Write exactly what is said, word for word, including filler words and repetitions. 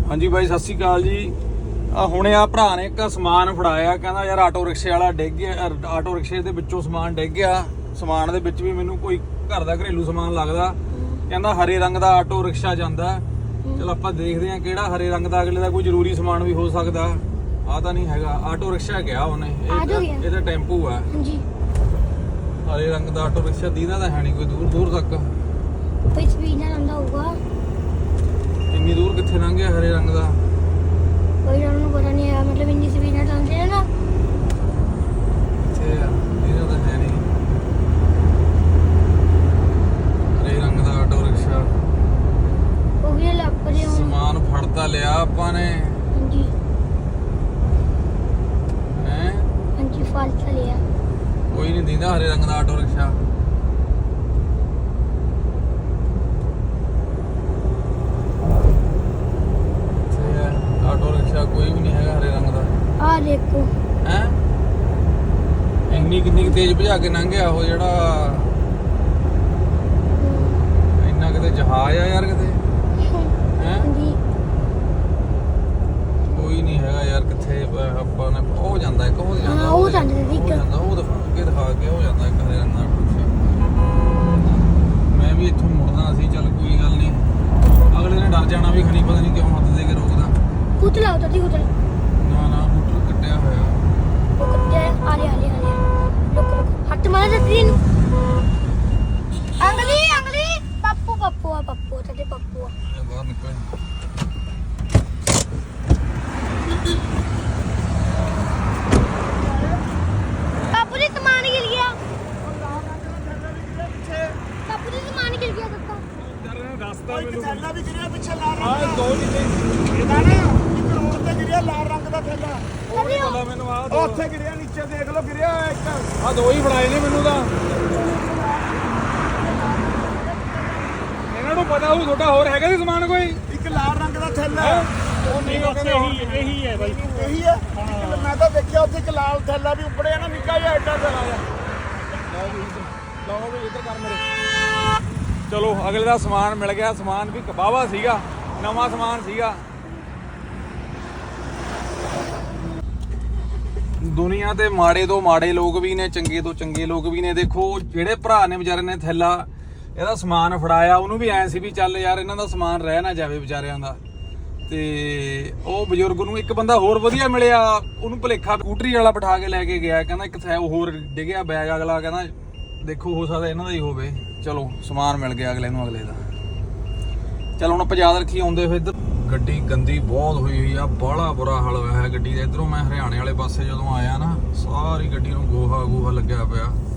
हाँ जी भाई सत श्री अकाल जी। ਹੁਣੇ ਆ ਭਰਾ ਨੇ ਇੱਕ ਸਮਾਨ ਫੜਾਇਆ, ਕਹਿੰਦਾ ਯਾਰ ਆਟੋ ਰਿਕਸ਼ੇ ਵਾਲਾ ਡਿੱਗ ਗਿਆ, ਆਟੋ ਰਿਕਸ਼ੇ ਦੇ ਵਿੱਚੋਂ ਸਮਾਨ ਡਿੱਗ ਗਿਆ। ਸਮਾਨ ਦੇ ਵਿੱਚ ਵੀ ਮੈਨੂੰ ਕੋਈ ਘਰ ਦਾ ਘਰੇਲੂ ਸਮਾਨ ਲੱਗਦਾ। ਕਹਿੰਦਾ ਹਰੇ ਰੰਗ ਦਾ ਆਟੋ ਰਿਕਸ਼ਾ ਜਾਂਦਾ। ਚਲ ਆਪਾਂ ਦੇਖਦੇ ਆ ਕਿਹੜਾ ਹਰੇ ਰੰਗ ਦਾ, ਅਗਲੇ ਦਾ ਕੋਈ ਜ਼ਰੂਰੀ ਸਮਾਨ ਵੀ ਹੋ ਸਕਦਾ। ਆ ਤਾਂ ਨਹੀਂ ਹੈਗਾ, ਆਟੋ ਰਿਕਸ਼ਾ ਗਿਆ ਉਹਨੇ, ਇਹ ਤਾਂ ਟੈਂਪੂ ਆ। ਹਾਂਜੀ ਹਰੇ ਰੰਗ ਦਾ ਆਟੋ ਰਿਕਸ਼ਾ ਦੀਦਾ ਤਾਂ ਹੈ ਨਹੀਂ ਕੋਈ ਦੂਰ ਦੂਰ ਤੱਕ। ਕੋਈ ਸਪੀਡ ਨਾਲ ਆਉਂਦਾ ਹੋਊਗਾ। ਇੰਨੀ ਦੂਰ ਕਿੱਥੇ ਲੰਘ ਗਿਆ ਹਰੇ ਰੰਗ ਦਾ? ਕੋਈ ਨੂੰ ਪਤਾ ਨਹੀਂ ਹੈ, मतलब ਇੰਨੀ ਸਪੀਡ ਨਾਲ ਆਉਂਦੇ ਨੇ ਨਾ। ਇੱਥੇ ਇਹਦਾ ਤਾਂ ਹੈ ਨਹੀਂ ਹਰੇ ਰੰਗ ਦਾ ਆਟੋ ਰਿਕਸ਼ਾ। ਉਹ ਵੀ ਲੱਭ ਰਹੇ ਹੋ। ਸਮਾਨ ਫੜਤਾ ਲਿਆ ਆਪਾਂ ਨੇ। ਹਾਂਜੀ ਹੈ ਹਾਂਜੀ ਫੜ ਤਾਂ ਲਿਆ। ਕੋਈ ਨਹੀਂ ਦਿੰਦਾ ਹਰੇ ਰੰਗ ਦਾ ਆਟੋ ਰਿਕਸ਼ਾ। ਆਟੋ ਰਿਕਸ਼ਾ ਕੋਈ ਵੀ ਨਹੀਂ ਹੈਗਾ ਹਰੇ ਰੰਗ ਦਾ। ਆ ਦੇਖੋ ਹੈ ਇੰਨੀ ਕਿੰਨੀ ਤੇਜ਼ ਭਜਾ ਕੇ ਲੰਘਿਆ ਉਹ, ਜਿਹੜਾ ਇੰਨਾ ਕਿਤੇ ਜਹਾਜ਼ ਆ ਯਾਰ ਕਿਤੇ। ਹੈ ਹਾਂਜੀ ਕੋਈ ਨਹੀਂ ਹੈਗਾ ਯਾਰ ਕਿੱਥੇ ਆਪਾਂ ਨੇ। ਉਹ ਜਾਂਦਾ ਇੱਕ, ਉਹ ਜਾਂਦਾ, ਹਾਂ ਉਹ ਜਾਂਦਾ ਉਹ ਇੱਕ ਜਾਂਦਾ, ਉਹ ਦਿਖਾ ਕੇ ਦਿਖਾ ਕੇ ਉਹ ਜਾਂਦਾ ਇੱਕ ਹਰੇ ਰੰਗ ਦਾ ਆਟੋ ਰਿਕਸ਼ਾ। ਮੈਂ ਵੀ ਇੱਥੋਂ ਮੁੜਨਾ ਸੀ, ਚੱਲ ਕੋਈ ਗੱਲ ਨਹੀਂ। ਅਗਲੇ ਨੇ ਡਰ ਜਾਣਾ ਵੀ ਖਣੀ, ਪਤਾ ਨਹੀਂ ਕਿਉਂ ਹੱਥ ਦੇ ਕੇ ਰੋਕਦਾ। ਕੁੱਤ ਲਾਓ ਤਾਂ ਕੁੱਤ ਨਾ ਨਾ ਬੂਟਰ ਕੱਟਿਆ ਹੋਇਆ। ਉਹ ਕੁੱਤੇ ਆ ਰਹੇ ਆ ਰਹੇ ਆ ਰਹੇ। ਲੁਕ ਲੁਕ ਹੱਥ ਮਾਰ ਦਿੱਤੀ ਇਹਨੂੰ। ਅੰਗਲੀ ਅੰਗਲੀ ਪੱਪੂ ਪੱਪੂ ਆ ਪੱਪੂ ਤੇ ਪੱਪੂ ਆ। ਇਹ ਬਾਹਰ ਨਿਕਲ। ਪੱਪੂ ਦੀ ਸਮਾਨ ਗਿਰ ਗਿਆ। ਪੱਪੂ ਦੀ ਸਮਾਨ ਗਿਰ ਗਿਆ ਸੱਤਾ। ਰਸਤਾ ਮੈਨੂੰ ਥੈਲਾ ਵੀ ਗਿਰਿਆ ਪਿੱਛੇ ਲਾਲ ਰੰਗ ਆ ਦਾ। ਦੋ ਨਹੀਂ ਇਹਦਾ ਨਾ ਇੱਕ ਰੋਡ ਤੇ ਗਿਰਿਆ ਲਾਲ ਰੰਗ ਦਾ ਥੈਲਾ। ਉਹ ਨਹੀਂ ਪਤਾ ਮੈਨੂੰ। ਆ ਉਹ ਉੱਥੇ ਗਿਰਿਆ, ਨੀਚੇ ਦੇਖ ਲਓ ਗਿਰਿਆ ਹੋਇਆ ਇੱਕ। ਆ ਦੋ ਹੀ ਫੜਾਏ ਨੇ ਮੈਨੂੰ ਤਾਂ। ਇਹਨਾਂ ਨੂੰ ਪਤਾ ਹੋਊ ਤੁਹਾਡਾ ਹੋਰ ਹੈਗਾ ਸੀ ਸਮਾਨ ਕੋਈ। ਇੱਕ ਲਾਲ ਰੰਗ ਦਾ ਥੈਲਾ। ਉਹ ਨਹੀਂ ਉਹ ਕਹਿੰਦੇ ਇਹੀ ਇਹੀ ਹੈ ਬਾਈ, ਇਹੀ ਹੈ। ਇੱਕ ਮੈਂ ਤਾਂ ਦੇਖਿਆ ਉੱਥੇ ਇੱਕ ਲਾਲ ਥੈਲਾ ਵੀ ਉੱਪੜਿਆ ਨਾ, ਨਿੱਕਾ ਜਿਹਾ ਐਡਾ ਥੈਲਾ ਆ। ਲਾਓ ਵੀ ਇੱਧਰ ਕਰ ਮੇਰੇ। ਚਲੋ ਅਗਲੇ ਦਾ ਸਮਾਨ ਮਿਲ ਗਿਆ। ਸਮਾਨ ਵੀ ਕਬਾਵਾ ਸੀਗਾ, ਨਵਾਂ ਸਮਾਨ ਸੀਗਾ। ਦੁਨੀਆ ਤੇ ਮਾੜੇ ਤੋਂ ਮਾੜੇ ਲੋਕ ਵੀ ਨੇ, ਚੰਗੇ ਤੋਂ ਚੰਗੇ ਲੋਕ ਵੀ ਨੇ। ਦੇਖੋ ਜਿਹੜੇ ਭਰਾ ਨੇ ਵਿਚਾਰੇ ਨੇ ਥੈਲਾ ਇਹਦਾ ਸਮਾਨ ਫੜਾਇਆ, ਉਹਨੂੰ ਵੀ ਐ ਸੀ ਵੀ ਚੱਲ ਯਾਰ ਇਹਨਾਂ ਦਾ ਸਮਾਨ ਰਹਿ ਨਾ ਜਾਵੇ ਵਿਚਾਰਿਆਂ ਦਾ। ਤੇ ਉਹ ਬਜ਼ੁਰਗ ਨੂੰ ਇੱਕ ਬੰਦਾ ਹੋਰ ਵਧੀਆ ਮਿਲਿਆ, ਉਹਨੂੰ ਭੁਲੇਖਾ ਸਕੂਟਰੀ ਵਾਲਾ ਬਿਠਾ ਕੇ ਲੈ ਕੇ ਗਿਆ। ਕਹਿੰਦਾ ਇੱਕ ਥੈ ਹੋਰ ਡਿੱਗਿਆ ਬੈਗ, ਅਗਲਾ ਕਹਿੰਦਾ ਦੇਖੋ ਹੋ ਸਕਦਾ ਇਹਨਾਂ ਦਾ ਹੀ ਹੋਵੇ। ਚਲੋ ਸਮਾਨ ਮਿਲ ਗਿਆ ਅਗਲੇ ਨੂੰ, ਅਗਲੇ ਦਾ। ਚਲ ਹੁਣ ਆਪਾਂ ਯਾਦ ਰੱਖੀ ਆਉਂਦੇ ਹੋਏ ਇੱਧਰ। ਗੱਡੀ ਗੰਦੀ ਬਹੁਤ ਹੋਈ ਹੋਈ ਆ, ਬਾਹਲਾ ਬੁਰਾ ਹਾਲ ਹੋਇਆ ਹੈ ਗੱਡੀ ਦਾ। ਇੱਧਰੋਂ ਮੈਂ ਹਰਿਆਣੇ ਵਾਲੇ ਪਾਸੇ ਜਦੋਂ ਆਇਆ ਨਾ, ਸਾਰੀ ਗੱਡੀ ਨੂੰ ਗੋਹਾ ਗੋਹਾ ਲੱਗਿਆ ਪਿਆ।